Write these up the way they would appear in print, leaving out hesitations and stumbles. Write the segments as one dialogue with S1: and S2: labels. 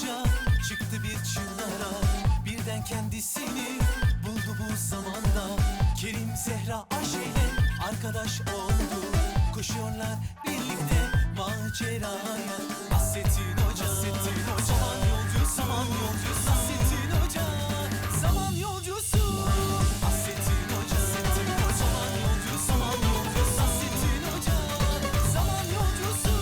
S1: Hoca çıktı bir çığlara, birden kendisini buldu bu zamanda. Kerim Zehra Ayşe'yle arkadaş oldu, koşuyorlar birlikte maceraya. Nasrettin Hoca, zaman yolcusu, zaman yolcusu. Nasrettin Hoca, zaman yolcusu. Nasrettin Hoca, zaman yolcusu, zaman yolcusu. Nasrettin Hoca, zaman yolcusu.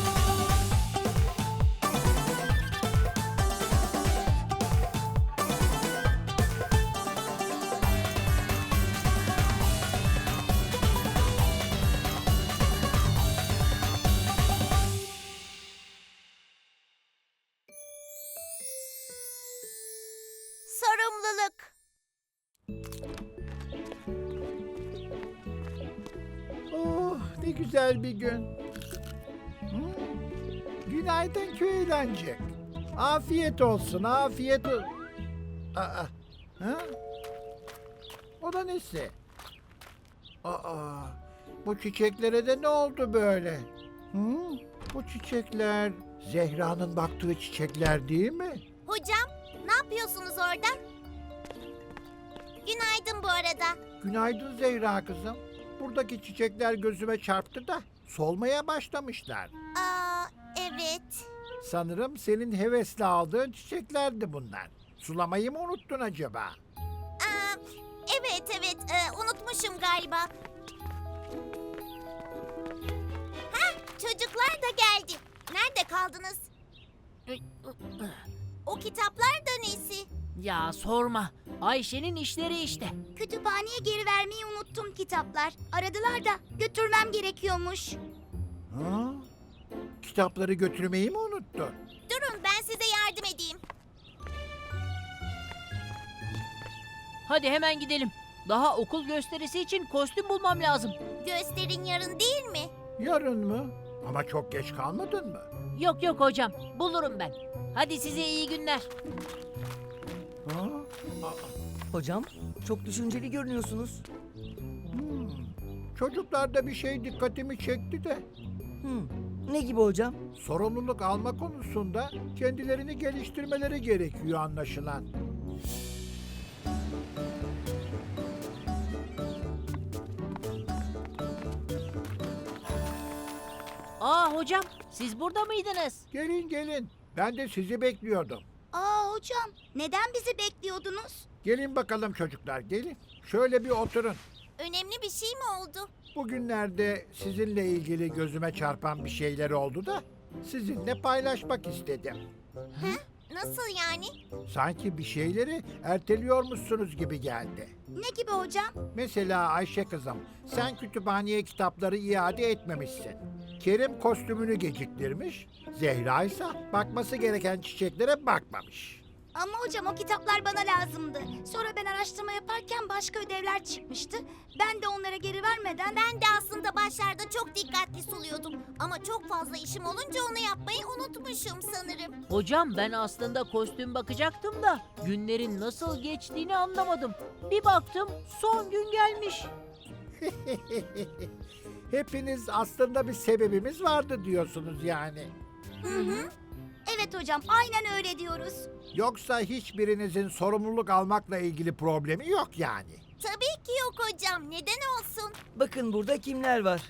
S2: Sorumluluk.
S3: Oh, ne güzel bir gün. Günaydın köy eğlencek. Afiyet olsun, afiyet olsun. Aa, ha? O da nesi? Aa, bu çiçeklere de ne oldu böyle? Bu çiçekler Zehra'nın baktığı çiçekler değil mi?
S2: Hocam, ne yapıyorsunuz orada? Günaydın bu arada.
S3: Günaydın Zehra kızım. Buradaki çiçekler gözüme çarptı da solmaya başlamışlar.
S2: Aa, evet.
S3: Sanırım senin hevesle aldığın çiçeklerdi bunlar. Sulamayı mı unuttun acaba?
S2: Aa, evet, unutmuşum galiba. Heh, çocuklar da geldi. Nerede kaldınız? O kitaplar da nesi?
S4: Ya sorma. Ayşe'nin işleri işte.
S2: Kütüphaneye geri vermeyi unuttum kitaplar. Aradılar da götürmem gerekiyormuş.
S3: Ha? Kitapları götürmeyi mi unuttun?
S2: Durun ben size yardım edeyim.
S4: Hadi hemen gidelim. Daha okul gösterisi için kostüm bulmam lazım.
S2: Gösterin yarın değil mi?
S3: Yarın mı? Ama çok geç kalmadın mı?
S4: Yok yok hocam. Bulurum ben. Hadi size iyi günler.
S3: Ha?
S5: Hocam, çok düşünceli görünüyorsunuz.
S3: Çocuklarda bir şey dikkatimi çekti de
S5: Ne gibi hocam?
S3: sorumluluk alma konusunda kendilerini geliştirmeleri gerekiyor anlaşılan.
S4: Aa hocam, siz burada mıydınız?
S3: Gelin gelin. Ben de sizi bekliyordum.
S2: Aa hocam, neden bizi bekliyordunuz?
S3: Gelin bakalım çocuklar gelin. Şöyle bir oturun.
S2: Önemli bir şey mi oldu?
S3: Bugünlerde sizinle ilgili gözüme çarpan bir şeyler oldu da sizinle paylaşmak istedim.
S2: Nasıl yani?
S3: Sanki bir şeyleri erteliyormuşsunuz gibi geldi.
S2: Ne gibi hocam?
S3: Mesela Ayşe kızım, sen kütüphaneye kitapları iade etmemişsin. Kerim kostümünü geciktirmiş, Zehra ise bakması gereken çiçeklere bakmamış.
S2: Ama hocam o kitaplar bana lazımdı. Sonra ben araştırma yaparken başka ödevler çıkmıştı. Ben de onlara geri vermeden... Ben de aslında başlarda çok dikkatli suluyordum. Ama çok fazla işim olunca onu yapmayı unutmuşum sanırım.
S4: Hocam ben aslında kostüm bakacaktım da günlerin nasıl geçtiğini anlamadım. Bir baktım son gün gelmiş.
S3: Hepiniz aslında bir sebebimiz vardı diyorsunuz yani.
S2: Evet hocam, aynen öyle diyoruz.
S3: Yoksa hiçbirinizin sorumluluk almakla ilgili problemi yok yani.
S2: Tabii ki yok hocam. Neden olsun?
S5: Bakın burada kimler var?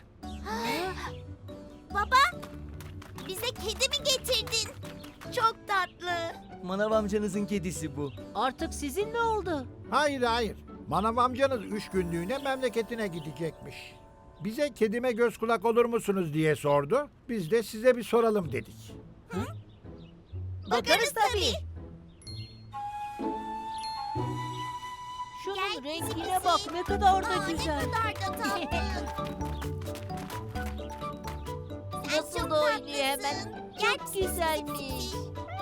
S2: Baba, bize kedi mi getirdin? Çok tatlı.
S5: Manav amcanızın kedisi bu.
S4: Artık sizin ne oldu?
S3: Hayır hayır. Manav amcanız 3 günlüğüne memleketine gidecekmiş. Bize kedime göz kulak olur musunuz diye sordu. Biz de size bir soralım dedik.
S2: Bakarız tabii.
S4: Şunun
S2: Gel
S4: rengine
S2: pisi
S4: bak
S2: pisi.
S4: ne kadar da
S2: Aa,
S4: güzel.
S2: Ne kadar da tatlı. Sen
S4: Nasıl
S2: çok
S4: da oynuyor
S2: tatlısın.
S4: hemen.
S2: Gel
S4: Çok
S2: pisi pisi
S4: güzelmiş.
S2: pisi.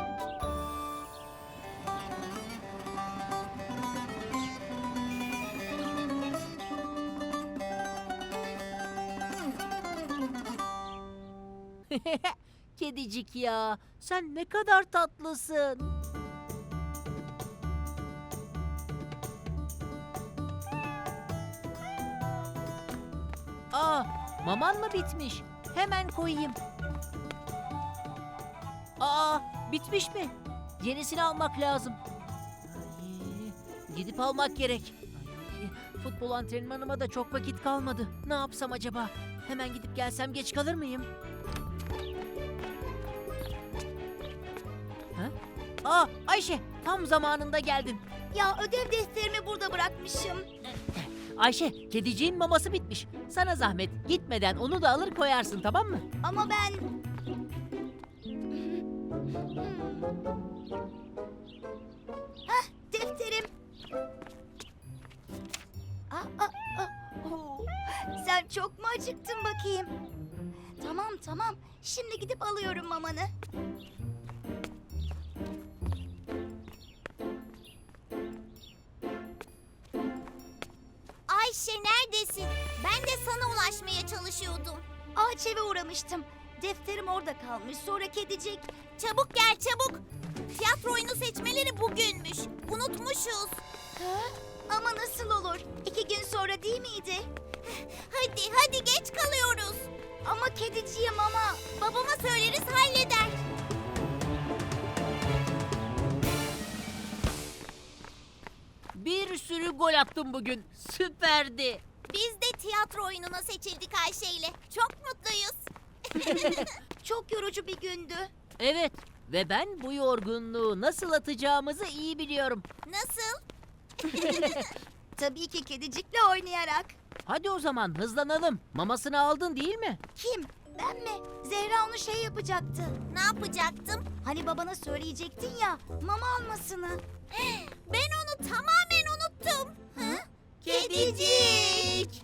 S4: Kedicik ya, sen ne kadar tatlısın. Aa, maman mı bitmiş? Hemen koyayım. Aa, bitmiş mi? Yenisini almak lazım. Ay, gidip almak gerek. Ay, futbol antrenmanıma da çok vakit kalmadı. Ne yapsam acaba? Hemen gidip gelsem geç kalır mıyım? Ha? Aa, Ayşe, tam zamanında geldin.
S2: Ya ödev defterimi burada bırakmışım.
S4: Ayşe, kediciğin maması bitmiş. Sana zahmet, gitmeden onu da alır koyarsın, tamam mı?
S2: Ama ben... Hah, defterim. Oo, sen çok mu acıktın bakayım? Tamam tamam. Şimdi gidip alıyorum mamanı.
S6: Ayşe neredesin? Ben de sana ulaşmaya çalışıyordum.
S2: Ağaç eve uğramıştım. Defterim orada kalmış. Sonra kedicik.
S6: Çabuk gel çabuk. Tiyatro oyunu seçmeleri bugünmüş. Unutmuşuz.
S2: Ha? Ama nasıl olur? 2 gün sonra değil miydi?
S6: Hadi hadi geç kalıyoruz.
S2: Ama kediciğim ama.
S6: Babama söyleriz halleder.
S4: Bir sürü gol attım bugün. Süperdi.
S6: Biz de tiyatro oyununa seçildik Ayşe ile. Çok mutluyuz.
S2: Çok yorucu bir gündü.
S4: Evet, ve ben bu yorgunluğu nasıl atacağımızı iyi biliyorum.
S6: Nasıl?
S2: Tabii ki kedicikle oynayarak.
S4: Hadi o zaman hızlanalım. Mamasını aldın değil mi?
S2: Kim? Ben mi? Zehra onu şey yapacaktı.
S6: Ne yapacaktım?
S2: Hani babana söyleyecektin ya mama almasını.
S6: Ben onu tamamen unuttum. Hı? Kedicik.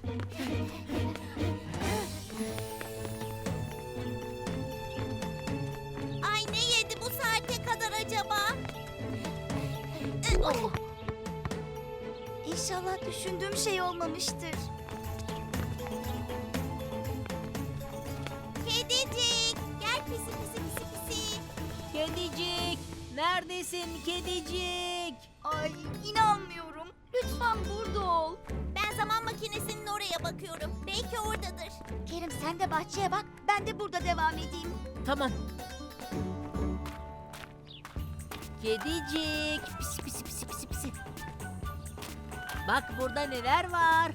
S6: Ay ne yedi bu saate kadar acaba?
S2: Oh. İnşallah düşündüğüm şey olmamıştır.
S6: Kedicik. Gel pisi pisi pisi pisi.
S4: Kedicik, neredesin kedicik?
S2: Ay inanmıyorum. Lütfen burada ol.
S6: Ben zaman makinesinin oraya bakıyorum. Belki oradadır.
S2: Kerim sen de bahçeye bak. Ben de burada devam edeyim.
S4: Tamam. Kedicik, pisi pisi pisi pisi pisi. Bak burada neler var.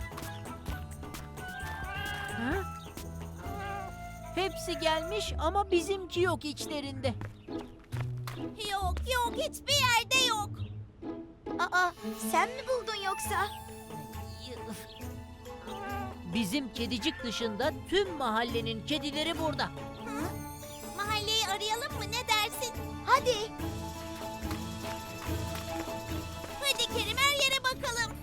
S4: Ha? Hepsi gelmiş ama bizimki yok içlerinde.
S6: Yok yok hiçbir yerde yok.
S2: Aa sen mi buldun yoksa?
S4: Bizim kedicik dışında tüm mahallenin kedileri burada.
S6: Hı? Mahalleyi arayalım mı ne dersin?
S2: Hadi.
S6: Hadi Kerim her yere bakalım.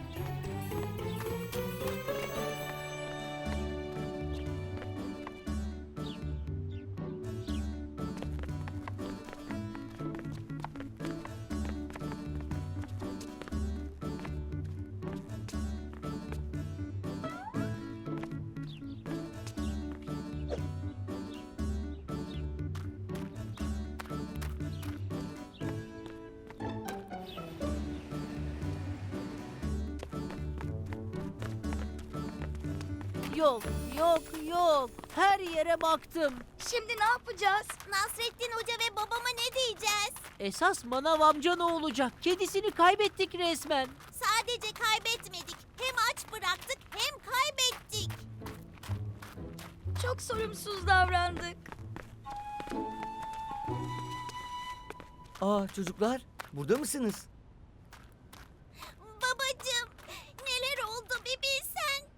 S4: Yok, yok, yok. Her yere baktım.
S2: Şimdi ne yapacağız?
S6: Nasrettin Hoca ve babama ne diyeceğiz?
S4: Esas manav amca ne olacak? Kedisini kaybettik resmen.
S6: Sadece kaybetmedik. Hem aç bıraktık hem kaybettik.
S2: Çok sorumsuz davrandık.
S5: Aa çocuklar, burada mısınız?
S6: Babacığım neler oldu bir bilsen.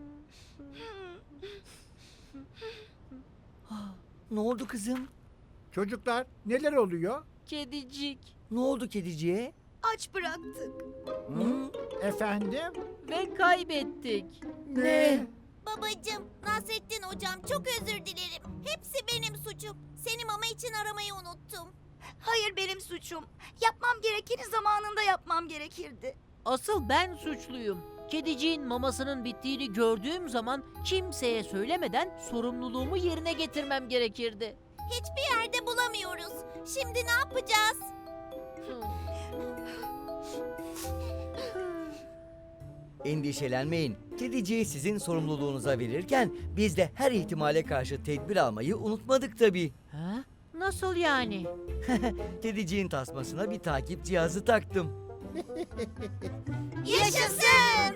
S5: Ne oldu kızım?
S3: Çocuklar neler oluyor?
S4: Kedicik
S5: Ne oldu kediciye?
S2: Aç bıraktık.
S5: Hı?
S3: Efendim?
S4: ve kaybettik.
S3: Ne?
S6: Babacığım Nasrettin Hocam çok özür dilerim. Hepsi benim suçum. Seni mama için aramayı unuttum.
S2: Hayır benim suçum. Yapmam gerekeni zamanında yapmam gerekirdi.
S4: Asıl ben suçluyum. Kediciğin mamasının bittiğini gördüğüm zaman kimseye söylemeden sorumluluğumu yerine getirmem gerekirdi.
S6: Hiçbir yerde bulamıyoruz. Şimdi ne yapacağız?
S5: Endişelenmeyin. Kediciyi sizin sorumluluğunuza verirken biz de her ihtimale karşı tedbir almayı unutmadık tabii.
S4: Ha? Nasıl yani?
S5: Kediciğin tasmasına bir takip cihazı taktım.
S6: Yaşasın!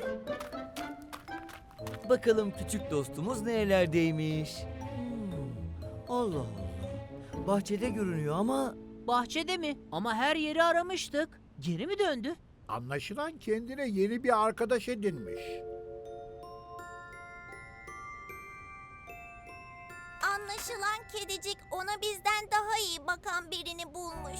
S5: Bakalım küçük dostumuz nerelerdeymiş. Allah Allah. Bahçede görünüyor ama
S4: Bahçede mi? Ama her yeri aramıştık. Geri mi döndü?
S3: Anlaşılan kendine yeni bir arkadaş edinmiş.
S6: Anlaşılan kedicik ona bizden daha iyi bakan birini bulmuş.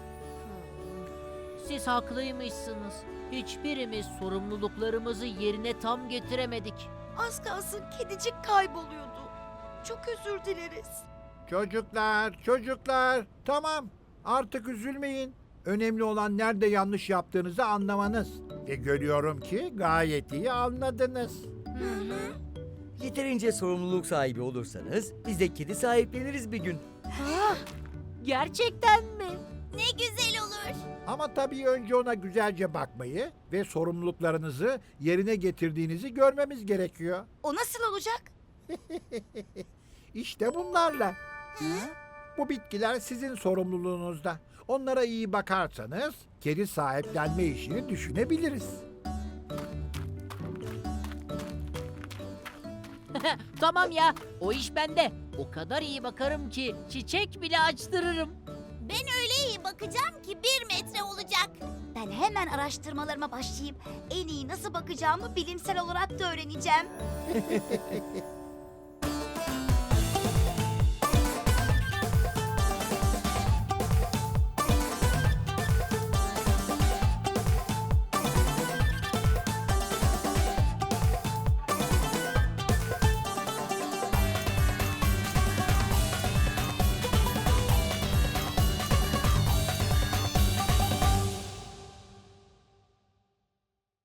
S4: Siz haklıymışsınız. Hiçbirimiz sorumluluklarımızı yerine tam getiremedik.
S2: Az kalsın kedicik kayboluyordu. Çok özür dileriz.
S3: Çocuklar, tamam. Artık üzülmeyin. Önemli olan nerede yanlış yaptığınızı anlamanız. Ve görüyorum ki gayet iyi anladınız.
S5: yeterince sorumluluk sahibi olursanız biz de kedi sahipleniriz bir gün.
S4: Gerçekten mi?
S6: Ne güzel olur.
S3: Ama tabii önce ona güzelce bakmayı ve sorumluluklarınızı yerine getirdiğinizi görmemiz gerekiyor.
S2: O nasıl olacak?
S3: İşte bunlarla. Bu bitkiler sizin sorumluluğunuzda. Onlara iyi bakarsanız kedi sahiplenme işini düşünebiliriz.
S4: Tamam ya, o iş bende. O kadar iyi bakarım ki çiçek bile açtırırım.
S6: Ben öyle iyi bakacağım ki 1 metre olacak.
S2: Ben hemen araştırmalarıma başlayıp en iyi nasıl bakacağımı bilimsel olarak da öğreneceğim.